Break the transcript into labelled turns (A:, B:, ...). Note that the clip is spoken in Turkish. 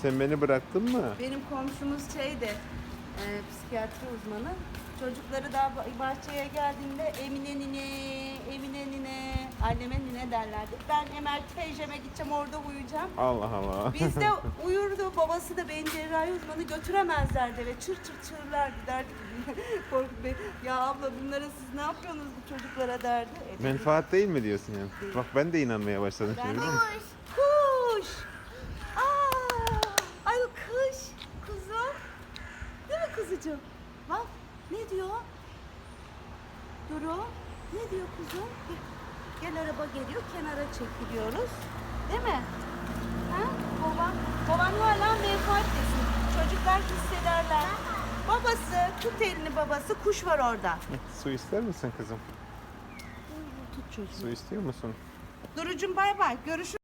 A: sen beni bıraktın mı?
B: Benim komşumuz psikiyatri uzmanı. Çocukları daha bahçeye geldiğinde Emine nine, anneme nine derlerdi. Ben Emel teyzeme gideceğim, orada uyuyacağım.
A: Allah Allah.
B: Biz de uyurdu, babası da beyin cerrahi uzmanı, götüremezlerdi ve çır çırlardı, derdi ki Korkut Bey, ya abla bunlara siz ne yapıyorsunuz bu çocuklara derdi.
A: Menfaat değil mi diyorsun yani?
B: Değil.
A: Bak ben de inanmaya başladım
B: Ben
A: şimdi.
B: de-
A: Değil mi?
B: Kuş! Ay kuş! Kuzum! Değil mi kuzucuğum? Bak ne diyor? Duru ne diyor kuzum? Gel araba geliyor, kenara çekiliyoruz. Değil mi? Ha? Baban hala menfaat desin. Çocuklar hissederler. Babası, tut elini babası, kuş var orada.
A: Su ister misin kızım?
B: Tut çocuğu.
A: Su istiyor musun?
B: Durucum bay bay, görüşürüz.